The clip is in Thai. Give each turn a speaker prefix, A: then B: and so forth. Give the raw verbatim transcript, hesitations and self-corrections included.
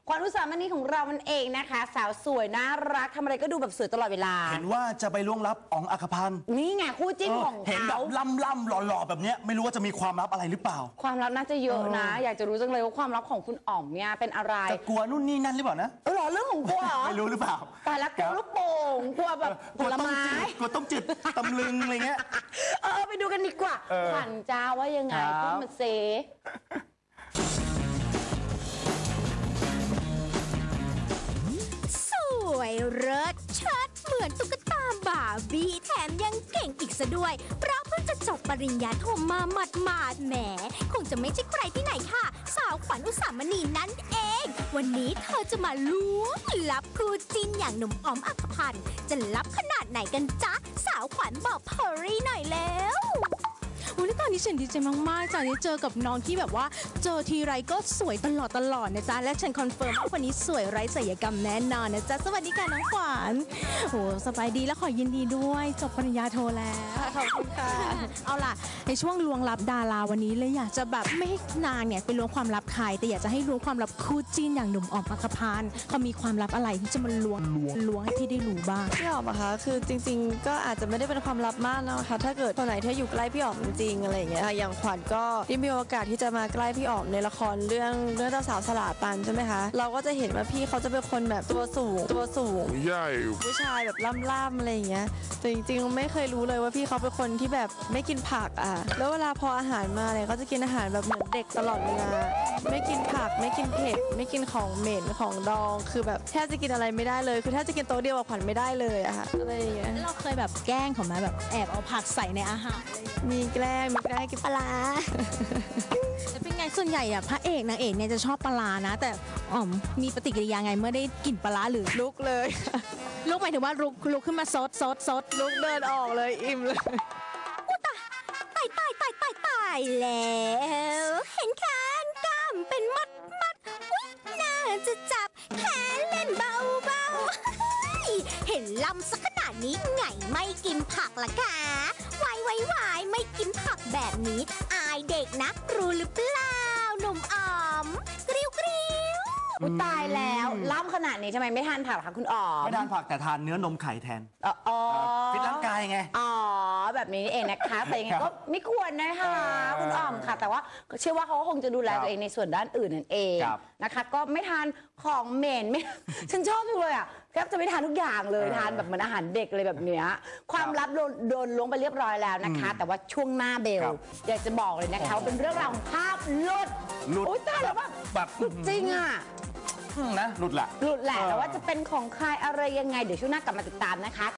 A: ขวัญอุสามณีของเรามันเองนะคะสาวสวยน่ารักทำอะไรก็ดูแบบสวยตลอดเวลา
B: เห็นว่าจะไปล่วงลับอ๋องอัครพันธ์
A: นี่ไงคู่จิ้นของเขา
B: เห็นแบบล่ำล่ำหล่อๆแบบนี้ไม่รู้ว่าจะมีความลับอะไรหรือเปล่า
A: ความลับน่าจะเยอะนะอยากจะรู้จังเลยว่าความลับของคุณอ๋อมเนี่ยเป็นอะไร
B: จะกลัวนู่นนี่นั่นหรือเปล่านะ
A: เออหรอเรื่องของกลัวเหรอ
B: ไม่รู้หรือเปล่า
A: แต่ละกลัวลูกโป่งกลัวแบบผลไม้
B: กลัวต้มจืดตำลึงอะไรเงี้ย
A: เออไปดูกันดีกว่าขวัญจ้าว่ายังไงพูดมาเซ
C: สวยเลิศเชิดเหมือนตุ๊กตาบาร์บี้แถมยังเก่งอีกซะด้วยเพราะเพิ่งจะจบปริญญาโทมาหมาดๆแหมคงจะไม่ใช่ใครที่ไหนค่ะสาวขวัญอุสามณีนั่นเองวันนี้เธอจะมาล้วงลับคู่จิ้นอย่างหนุ่มอ๋อมอัครพันธ์จะลับขนาดไหนกันจ๊ะสาวขวัญบอกเพอรี่หน่อยแล้ว
D: วันนี้ตอนนี้ฉันดีใจมากๆจากนี้เจอกับน้องที่แบบว่าเจอทีไรก็สวยตลอดตลอดนะจ๊ะและฉันคอนเฟิร์มว่าวันนี้สวยไร้ศัลยกรรมแน่นอนนะจ๊ะสวัสดีค่ะน้องขวัญโอ้สบายดีและขอยินดีด้วยจบปริญญาโทแล้ว
A: ขอบคุณค่ะ
D: เอาล่ะในช่วงลวงลับดาราวันนี้เลยอยากจะแบบไม่ให้นางเนี่ยไปล้วงความลับใครแต่อยากจะให้ล้วงความลับคู่จิ้นอย่างหนุ่มอ๋อมอัครพันธ์เขามีความลับอะไรที่จะมาล้วงล้วงให้พี่ได้รู้บ้าง
E: พี่อ๋อมอะคะคือจริงๆก็อาจจะไม่ได้เป็นความลับมากนะคะถ้าเกิดคนไหนที่อยู่ใกล้พี่อ๋อมจริงๆอะไรอย่างเงี้ยอย่างขวัญก็ได้มีโอกาสที่จะมาใกล้พี่อ๋อมในละครเรื่องเรื่องเจ้าสาวสลาตันใช่ไหมคะเราก็จะเห็นว่าพี่เขาจะเป็นคนแบบตัวสูงตัวสูงใหญ่ผู้ชายแบบล่ำๆอะไรอย่างเงี้ยแต่จริงๆไม่เคยรู้เลยว่าพี่เขาเป็นคนที่แบบไม่กินผักอ่ะแล้วเวลาพออาหารมาเนี่ยเขาจะกินอาหารแบบเหมือนเด็กตลอดเวลาไม่กินผักไม่กินเผ็ดไม่กินของเหม็นของดองคือแบบแทบจะกินอะไรไม่ได้เลยคือแทบจะกินโต๊ะเดียวกับขวัญไม่ได้เลยอะค่ะอะไรอย่างเงี้ย
D: เราเคยแบบแกล้งเขาไหมแบบแอบเอาผักใส่ในอาหาร
E: มีแกล้งมีแกล้งกินปลา
D: แต่เป็นไงส่วนใหญ่อะพระเอกนางเอกเนี่ยจะชอบปลานะแต่อ๋อมมีปฏิกิริยาไงเมื่อได้กลิ่นปลาหรือ
E: ลุกเลย
D: ลุกหมายถึงว่าลุกลุกขึ้นมาซดซดซด
E: ลุกเดินออกเลยอิ่มเลย
C: อุตายตายตายตายตายแล้วเห็นแขนกล้ามเป็นมัดมัดอุ๊ยน่าจะจับแขนเล่นเบาเบาเห็นลำสักขนาดนี้ไงไม่กินผักล่ะคะวายวายวายไม่กินผักแบบนี้อายเด็กนะรู้หรือเปล่าหนุ่มอ๋อมกริ้วกริ้ว
A: อุตายแล้วล้ำขนาดนี้ทำไมไม่ทานผักคะคุณอ๋อม
B: ไม่ทานผักแต่ทานเนื้อนมไข่แทน
A: อ๋อ
B: ฟิตร่างกายไง
A: อ๋อแบบนี้เองนะคะแต่ยังไงก็ไม่ควรนะคะคุณอ๋อมค่ะแต่ว่าเชื่อว่าเขาคงจะดูแลตัวเองในส่วนด้านอื่นนั่นเองนะคะก็ไม่ทานของเหม็นไม่ฉันชอบเลยอ่ะแทบจะไม่ทานทุกอย่างเลยทานแบบเหมือนอาหารเด็กเลยแบบเนี้ยความลับโดนโดนล้วงไปเรียบร้อยแล้วนะคะแต่ว่าช่วงหน้าเบลอยากจะบอกเลยนะคะว่าเป็นเรื่องราวของภาพหลุดโอ๊ยตายแล้วแบบแบบจริงอ่ะ
B: นะหลุดแหละ
A: หลุดแหละแต่ว่าจะเป็นของใครอะไรยังไงเดี๋ยวช่วงหน้ากลับมาติดตามนะคะ